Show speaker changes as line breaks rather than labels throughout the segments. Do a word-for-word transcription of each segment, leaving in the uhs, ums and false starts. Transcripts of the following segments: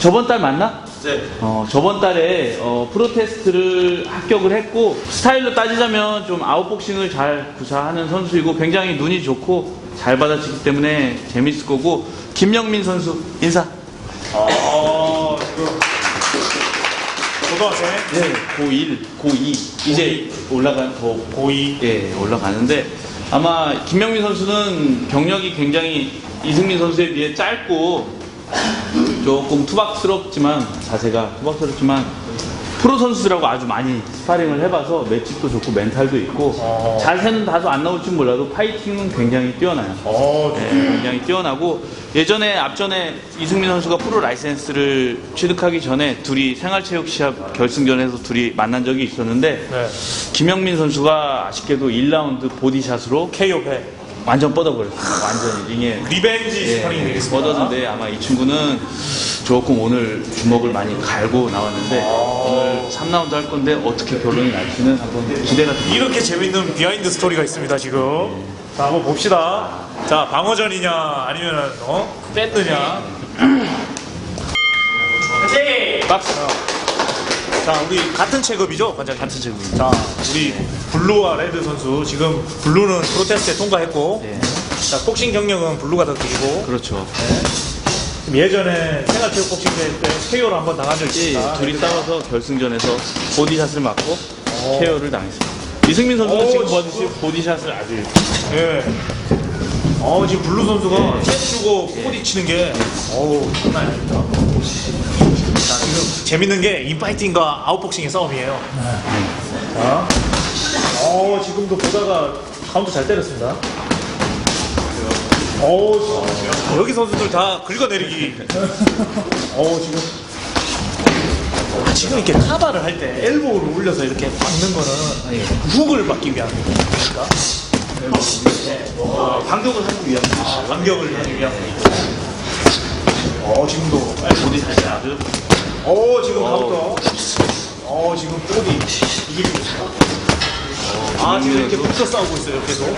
저번 달 맞나?
네.
어, 저번 달에 어, 프로테스트를 합격을 했고 스타일로 따지자면 좀 아웃복싱을 잘 구사하는 선수이고 굉장히 눈이 좋고 잘 받아치기 때문에 재밌을 거고 김영민 선수 인사.
아, 지금 고등학생?
네, 고일, 고이 이제 올라간 더
고이.
예, 올라가는데 아마 김영민 선수는 경력이 굉장히 이승민 선수에 비해 짧고 조금 투박스럽지만 자세가 투박스럽지만 프로 선수들하고 아주 많이 스파링을 해봐서 맷집도 좋고 멘탈도 있고
어.
자세는 다소 안 나올지 몰라도 파이팅은 굉장히 뛰어나요.
어,
네, 굉장히 뛰어나고 예전에 앞전에 이승민 선수가 프로 라이센스를 취득하기 전에 둘이 생활체육 시합 결승전에서 둘이 만난 적이 있었는데
네.
김영민 선수가 아쉽게도 일 라운드 보디샷으로
케이오 배.
완전 뻗어버렸어요. 완전 링에
리벤지
예,
스파링이 되겠습니다.
뻗었는데 아마 이 친구는 조금 오늘 주먹을 많이 갈고 나왔는데
아.
오늘 삼 라운드 할 건데 어떻게 결론이 날지는 한번 기대가 됩니다.
이렇게 재밌는 비하인드 스토리가 있습니다, 지금. 자, 한번 봅시다. 자, 방어전이냐, 아니면, 어? 뺐느냐.
박스.
자, 우리 같은 체급이죠, 관장님?
같은 체급입니다.
자, 우리 블루와 레드 선수. 지금 블루는 프로테스트에 통과했고,
네.
자, 복싱 경력은 블루가 더 길고,
그렇죠.
예전에 생활체육 복싱 대회 때 케이오를 한번 당한 적이
예,
있습니다.
둘이 싸워서 결승전에서 보디샷을 맞고
오.
케어를 당했습니다. 이승민 선수는
오,
지금
진짜.
보듯이 보디샷을 아주
예. 어, 지금 블루 선수가
네.
셋 주고 코디 치는 게, 어우, 장난이 아닙니다. 자, 지금 재밌는 게 인파이팅과 아웃복싱의 싸움이에요. 자, 어, 지금도 보다가 카운트 잘 때렸습니다. 어, 여기 선수들 다 긁어내리기. 어, 지금. 지금 이렇게 카바를 할 때 엘보를 올려서 이렇게 막는 거는 훅을 막기 위한 겁니까?
어, 반격을 하기 위한
아, 반격을 하기 위한. 어, 지금도.
보디샷이 아주
어, 지금 가부터. 어, 지금 꼬리 이기고 있습니다. 아, 지금 이렇게 붙어 싸우고 있어요, 계속.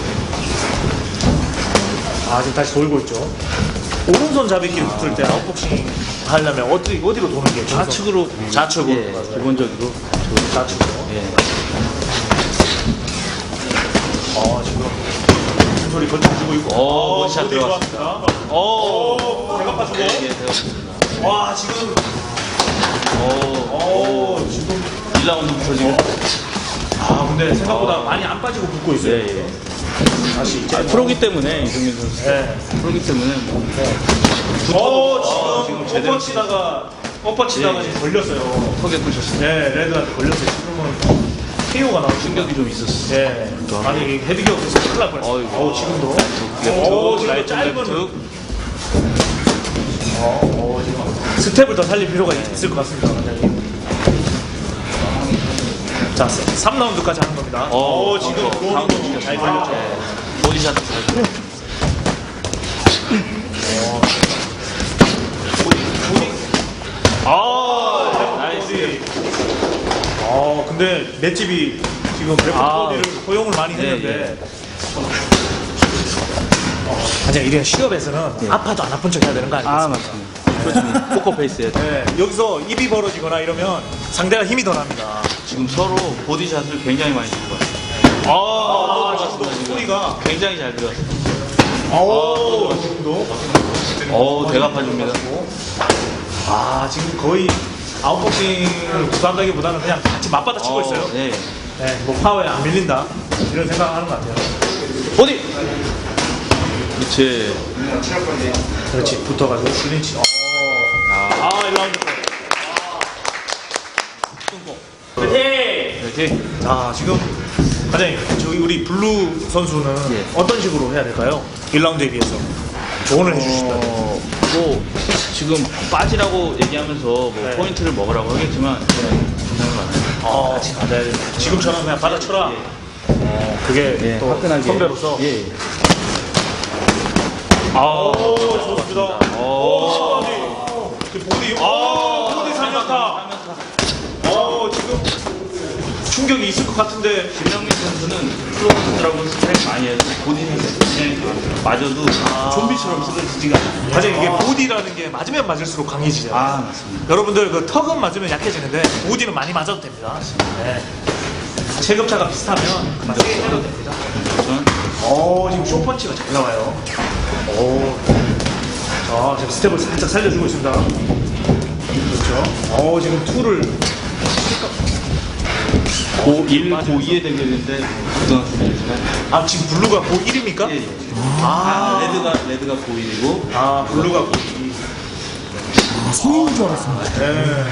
아, 지금 다시 돌고 있죠. 오른손 잡이끼리 붙을 때 아웃복싱 하려면 어디, 어디로 도는 게 좋죠?
좌측으로
좌측으로.
예, 기본적으로
좌측으로.
예.
어, 지금 무슨 소리 걸쳐주고 있고.
어, 원샷
어디
들어갔습니다.
들어왔습니다.
오,
오, 대각 파주고.
예, 되었습니다.
와, 지금.
오,
어, 지금.
일 라운드부터 지금
아, 근데 생각보다 많이 안 빠지고 붙고 있어요.
예, 예.
다시 이제.
아, 프로기 때문에 이승민 선수
네.
프로기 때문에 뭐
어, 지금
지금 제대로
엎어치다가 엎어치다가
예.
지금 걸렸어요.
턱에 꽂혔습니다.
네, 레드한테 걸렸어요. 지금은 케이오가 나오고
충격이 좀 있었어요.
네. 아니 헤드기어에서 큰일 날 뻔했어요.
어이구.
어우, 지금도. 어,
랩툭,
지금
라이트
짧은.
랩툭.
어, 어, 지금 스텝을 더 살릴 필요가 있을 것 같습니다, 원장님. 자, 삼 라운드까지 하는 겁니다. 어, 지금
어,
들어오는 거 잘 걸렸죠.
예. 보디샷 잘.
아,
나이스.
어, 근데 맷집이 지금 그래프
아.
코디를 허용을 많이
예,
했는데. 아니, 이래 시합에서는 아파도 안 아픈 척 해야 되는 거 아니겠습니까?
아 맞습니다. 그렇죠. 포커 페이스에
네, 여기서 입이 벌어지거나 이러면 상대가 힘이 더 납니다.
지금 서로 보디샷을 굉장히 많이 주고 왔어요.
아,
아,
지금도 소리가.
굉장히 잘 들어갔어요.
아우, 지금도.
어, 대갚아줍니다.
아, 지금 거의 아웃복싱을 구사한다기보다는 그냥 같이 맞받아 치고 있어요.
네.
네, 뭐 파워에 안 밀린다. 이런 생각을 하는 것 같아요.
어디? 그렇지.
그렇지, 붙어가지고 클린치. 어. 아, 일 라운드. 파이팅!
이렇게.
자, 지금 과장님, 저기 우리 블루 선수는
예.
어떤 식으로 해야 될까요? 일 라운드에 비해서 조언을 해주신다면.
어, 뭐 지금 빠지라고 얘기하면서 뭐
네.
포인트를 먹으라고 하겠지만 부상을 많아요.
어, 네. 지금처럼 그냥 받아쳐라. 어, 그게
예,
또
화끈하게.
선배로서.
예.
아, 오, 좋습니다.
오.
오, 지금 보디, 아, 보디 삼 연타. 어, 지금 충격이 있을 것 같은데.
김명민 선수는 프로 선수들하고 스파링 많이 해도 본인한테 그냥 맞아도 좀비처럼 쓰러지지가 않아요.
맞아요. 이게 보디라는 게 맞으면 맞을수록 강해지죠.
아, 맞습니다.
여러분들 그 턱은 맞으면 약해지는데 보디는 많이 맞아도 됩니다. 네. 체급차가 비슷하면 그만 세게 때려도 됩니다.
저는
오, 지금 쇼펀치가 잘 나와요. 오. 자, 지금 스텝을 살짝 살려주고 있습니다. 그렇죠. 오, 지금 투를.
고일, 고이의 대결인데 고등학생이지만
아, 지금 블루가 고일입니까?
예, 예.
아,
아, 레드가 레드가 고일이고
아, 블루가 고일.
성인인 줄 알았습니다.
네.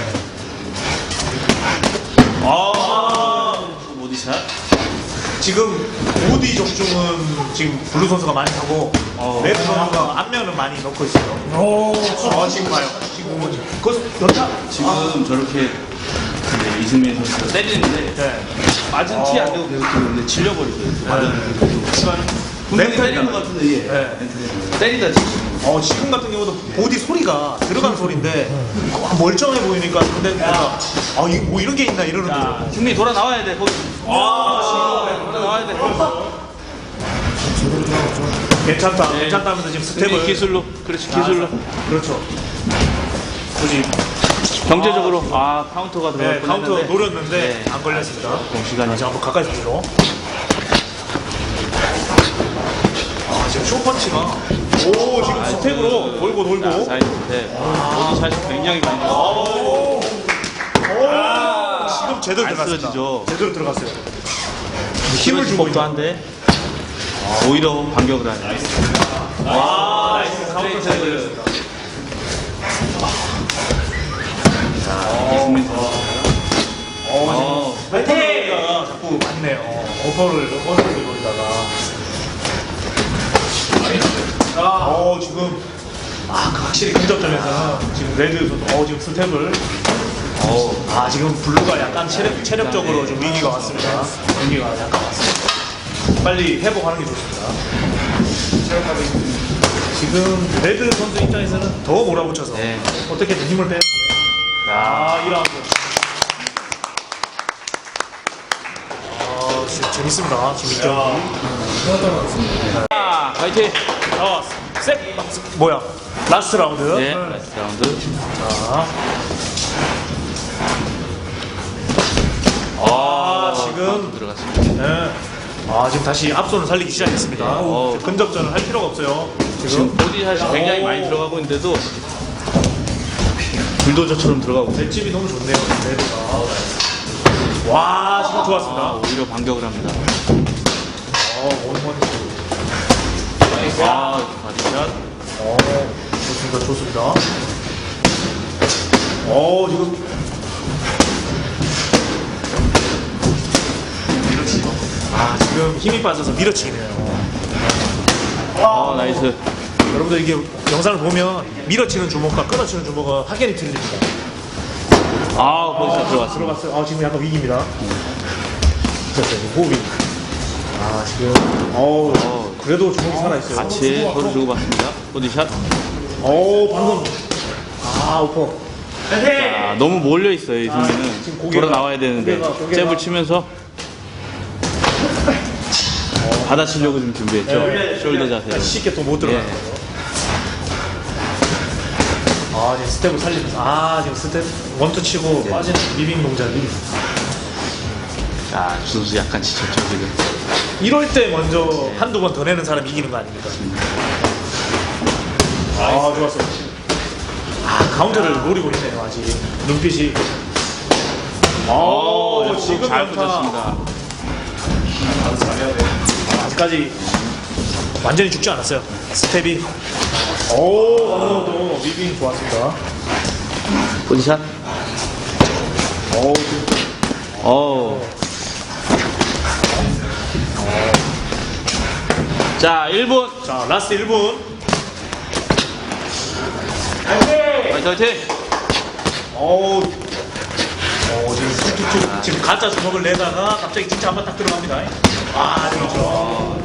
아, 보디샷.
지금 보디 적중은 지금 블루 선수가 많이 하고
어.
레드 선수가 앞면은 많이 넣고 있어요.
오,
아, 지금 봐요. 지금 뭐지? 그 연타?
지금 저렇게 이제 이승민 선수가 때리는데
네.
맞은 티 안 되고 계속 들어오는데 질려버리고요. 맞은 분명히
멘탈
때리는 것 같은데 예.
네.
멘탈이 때리다 지금.
어, 지금 같은 경우도 보디 소리가 들어간 소리인데 어, 멀쩡해 보이니까 근데 뭔가 아, 이, 뭐 이런 게 있나 이러는 거죠.
자, 승민이 돌아 나와야 돼. 거기. 아, 지금 돌아 나와야 돼.
괜찮다.
네.
괜찮다면서 지금
승민이
스텝을
기술로. 그렇지, 기술로.
그렇죠. 굳이
경제적으로 아 카운터가 들어갈
네, 카운터
뻔했는데
노렸는데
네.
안 걸렸습니다.
좀 시간이
자, 한번 가까이서 보죠. 아, 지금 쇼펀치가 오, 지금 스텝으로 돌고 돌고.
자, 사이드 스텝. 보디샷이 굉장히 많이 나와요.
오, 지금 제대로
안
들어갔습니다.
쓰러지죠.
제대로 들어갔어요. 힘을 주고
법도
있는.
한데 오히려 반격을 하네.
아, 나이스 카운터 잘 걸렸습니다.
이승민 선수.
어, 파이팅가 자꾸 맞네요. 오퍼를 어디를 돌리다가. 어, 지금 아, 그 확실히 근접점에서는 지금 레드 선수 어, 지금 스텝을
어,
아, 지금 블루가 약간 체력, 체력적으로 좀 위기가 왔습니다. 위기가 약간 왔습니다. 빨리 회복하는 게 좋습니다. 지금 레드 선수 입장에서는 더 몰아붙여서
네.
어떻게든 힘을 빼. 아, 이 라운드. 아, 진짜 재밌습니다. 재밌죠.
아, 파이팅.
아, 셋, 뭐야? 라스트 라운드.
네, 라스트 라운드.
자. 아, 지금
들어갔습니다.
네. 아, 지금 다시 앞손을 살리기 시작했습니다.
어.
근접전을 할 필요가 없어요.
지금
지금
보디샷이 굉장히
오.
많이 들어가고 있는데도 불도저처럼 들어가고 있어요.
맷집이 너무 좋네요. 레드가. 와, 지금
아,
좋았습니다.
오히려 반격을 합니다.
어, 원원.
아, 바디샷.
어, 좋습니다. 좋습니다. 어, 지금. 아, 지금 힘이 빠져서 밀어치기네요.
아, 나이스.
여러분들 이게 영상을 보면 밀어치는 주먹과 끊어치는 주먹은 확연히 틀립니다.
아, 보디샷 들어갔습니다.
들어갔어요. 아, 지금 약간 위기입니다. 됐어요. 호흡이. 아, 지금. 어우,
어.
그래도 주먹이 살아있어요.
같이 서로 주고받습니다. 보디샷.
어우, 방금. 아, 오퍼.
자, 너무 몰려 있어요,
아, 지금
이승민은.
고개가-
돌아 나와야 되는데
고개가- 고개가-
잽을 치면서 받아치려고 좀 준비했죠.
네.
숄더 자세로.
쉽게 또 못 들어가는
예.
거죠. 아, 지금 스텝을 살리면서. 아, 지금 스텝 원투 치고 빠지는 리빙 동작이.
자, 주 선수 약간 지쳤죠, 지금.
이럴 때 먼저 한두 번 더 내는 사람이 이기는 거 아닙니까? 아, 좋았어요. 아, 카운터를 노리고 있네요, 아직. 눈빛이.
어,
아, 지금
잘
연타.
붙였습니다.
아직까지 완전히 죽지 않았어요. 스텝이. 오, 방금도 리빙 좋았습니다.
보디샷.
오,
어. 자, 일 분.
자, 라스트 일 분.
화이팅, 화이팅.
오, 오, 지금 툭툭툭 지금 가짜 주먹을 내다가 갑자기 진짜 한 번 딱 들어갑니다. 아, 그렇죠.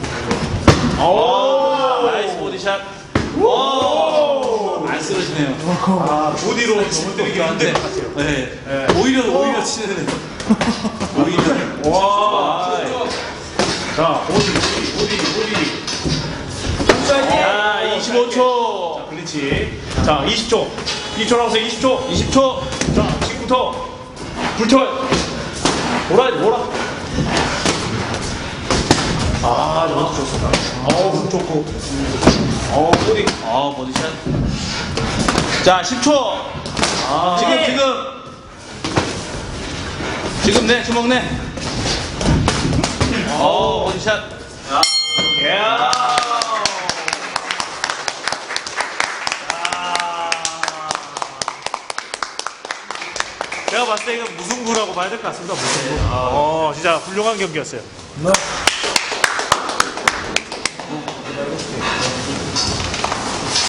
오,
나이스 보디샷. 오! 안 쓰러지네요.
아, 보디로 넘어뜨리기 힘들 것 같아요.
네.
네.
오히려, 오히려 치는. 오히려.
와. 자, 보디, 보디, 보디.
자, 이십오 초.
자, 클린치. 자, 이십 초. 이십 초 남았어요, 이십 초.
이십 초.
자, 지금부터 불태워요. 몰아야지, 몰아. 아, 너무 좋습니다. 어우, 훅 좋고. 어우, 보디.
어, 버디샷. 자, 십 초.
아,
지금, 지금. 지금 내, 주먹 내. 어, 버디샷.
예. 제가 봤을 때 이건 무승부라고 봐야 될 것 같습니다. 무승부. 어, 진짜 훌륭한 경기였어요.
네.